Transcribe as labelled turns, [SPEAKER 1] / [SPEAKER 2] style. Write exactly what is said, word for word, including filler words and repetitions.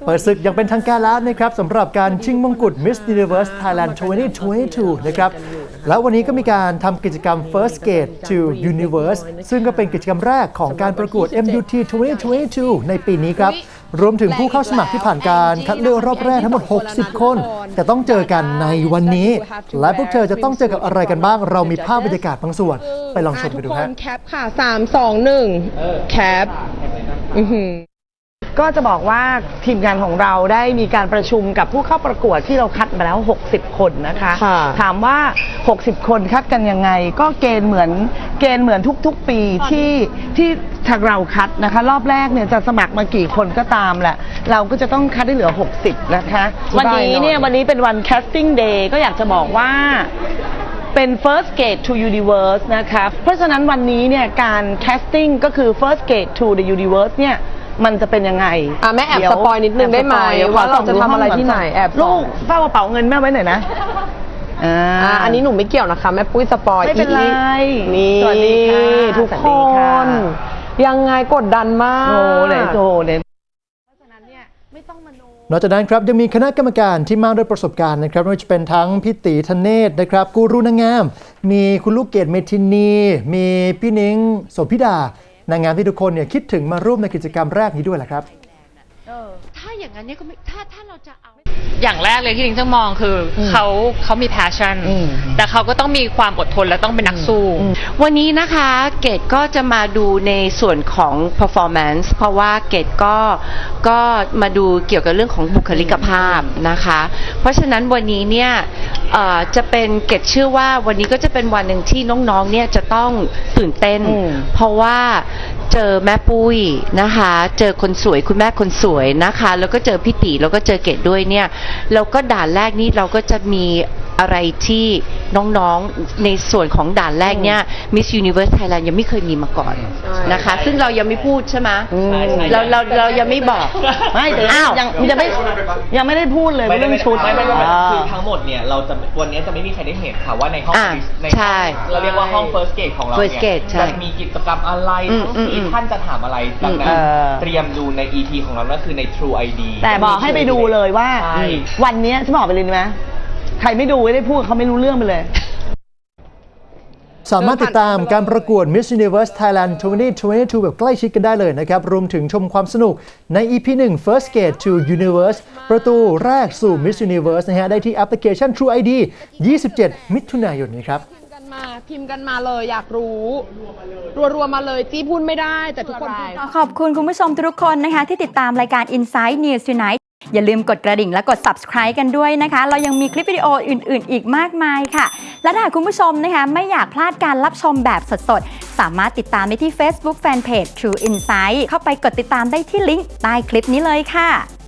[SPEAKER 1] เปิดศึกยังเป็นทางการแล้วนะครับสำหรับการชิงมงกุฎ Miss Universe Thailand สองพันยี่สิบสองนะครับแล้ววันนี้ก็มีการทำกิจกรรม First Gate to Universe ซึ่งก็เป็นกิจกรรมแรกของการประกวด เอ็ม ยู ที สองพันยี่สิบสองในปีนี้ครับรวมถึงผู้เข้าสมัครที่ผ่านการคัดเลือกรอบแรกทั้งหมดหกสิบคนแต่ต้องเจอกันในวันนี้และพวกเธอจะต้องเจอกับอะไรกันบ้างเรามีภาพบรรยากาศบางส่วนไปลองชมกันดูฮะ
[SPEAKER 2] แคปค่ะสาม สอง หนึ่งแคปก็จะบอกว่าทีมงานของเราได้มีการประชุมกับผู้เข้าประกวดที่เราคัดมาแล้วหกสิบคนนะคะถามว่าหกสิบคนคัดกันยังไงก็เกณฑ์เหมือนเกณฑ์เหมือนทุกๆปีที่ที่ทางเราคัดนะคะรอบแรกเนี่ยจะสมัครมากี่คนก็ตามแหละเราก็จะต้องคัดได้เหลือหกสิบนะคะวันนี้เนี่ยวันนี้เป็นวัน casting day ก็อยากจะบอกว่าเป็น first gate to universe นะคะเพราะฉะนั้นวันนี้เนี่ยการ casting ก็คือ first gate to the universe เนี่ยมันจะเป็นยังไง
[SPEAKER 3] อ่ะแม่แอบสปอยนิดนึงได้ไหมว่าเราจะทำอะไรที่ไหนแอบ
[SPEAKER 2] ลูกเฝ้ากระเป๋าเงินแม่ไว้หน่อยนะ
[SPEAKER 3] อ่าอันนี้หนูไม่เกี่ยวนะคะแม่ปุ้ยสปอย
[SPEAKER 2] ไม่เป็นไร
[SPEAKER 3] นี่สวัสดีค่ะทุกคนยังไงกดดันมาก
[SPEAKER 2] โอ้เลยโตเลย
[SPEAKER 1] นอกจากนั้นครับยังมีคณะกรรมการที่มากด้วยประสบการณ์นะครับไม่ว่าจะเป็นทั้งพี่ตีธเนศนะครับกูรูนางงามมีคุณลูกเกดเมทินีมีพี่นิ้งโสภิดานางงามที่ทุกคนเนี่ยคิดถึงมาร่วมในกิจกรรมแรกนี้ด้วยแหละครับ
[SPEAKER 4] ถ้าอย่างนั้นเนี่ยก็ไม่ถ้าถ้าเราจะเอาอย่างแรกเลยที่ลิงจะมองคือเขาเขามี passion แต่เขาก็ต้องมีความอดทนและต้องเป็นนักสู้วันนี้นะคะเกดก็จะมาดูในส่วนของ performance เพราะว่าเกดก็ก็มาดูเกี่ยวกับเรื่องของบุคลิกภาพนะคะเพราะฉะนั้นวันนี้เนี่ยจะเป็นเกดเชื่อว่าวันนี้ก็จะเป็นวันหนึ่งที่น้องๆเนี่ยจะต้องตื่นเต้นเพราะว่าเจอแม่ปุ้ยนะคะเจอคนสวยคุณแม่คนสวยนะคะแล้วก็เจอพี่ตีแล้วก็เจอเกดด้วยเนี่ยแล้วก็ด่านแรกนี้เราก็จะมีอะไรที่น้องๆในส่วนของด่านแรกเนี่ย Miss Universe Thailand ยังไม่เคยมีมาก่อนนะคะซึ่งเรายังไม่พูดใช่ไหมเราเราเรายังไม่บอก
[SPEAKER 2] ไม่แต่ยังยังไม่ยังไม่ได้พูดเลยเรื่องชุด
[SPEAKER 5] ไม่ไม่ไม่คือทั้งหมดเนี่ยเราจะวันนี้จะไม่มีใครได้เห็นค่ะว่าในห้องในเราเรียกว่าห้อง First Gate ของเราเนี่ยจะมีกิจกรรมอะไรทั้งสี่ท่านจะถามอะไรดังนั้นเตรียมดูใน อี พี ของเราก็คือใน True ไอ ดี
[SPEAKER 2] แต่บอกให้ไปดูเลยว่าวันนี้ฉันบอกไปเลยไหมใครไม่ดูไม่ได้พูดเขาไม่รู้เรื่องไปเลย
[SPEAKER 1] สามารถติดตามการประกวด Miss Universe Thailand สองพันยี่สิบสองแบบใกล้ชิดกันได้เลยนะครับรวมถึงชมความสนุกใน อี พี หนึ่ง First Gate to Universe ประตูแรกสู่ Miss Universe นะฮะได้ที่แอปพลิเคชัน True ไอ ดี ยี่สิบเจ็ดมิถุนายนนี้ครับ
[SPEAKER 3] พิมพ์กันมาพิมพ์กันมาเลยอยากรู้รัวๆมาเลยจี้พูดไม่ได้แต่ทุกคน
[SPEAKER 6] ขอบคุณคุณผู้ชมทุกคนนะคะที่ติดตามรายการ Inside News Tonight อย่าลืมกดกระดิ่งและกด Subscribe กันด้วยนะคะเรายังมีคลิปวิดีโออื่นๆอีกมากมายค่ะและถ้าคุณผู้ชมนะคะไม่อยากพลาดการรับชมแบบสดๆสามารถติดตามได้ที่ Facebook Fanpage True Insight เข้าไปกดติดตามได้ที่ลิงก์ใต้คลิปนี้เลยค่ะ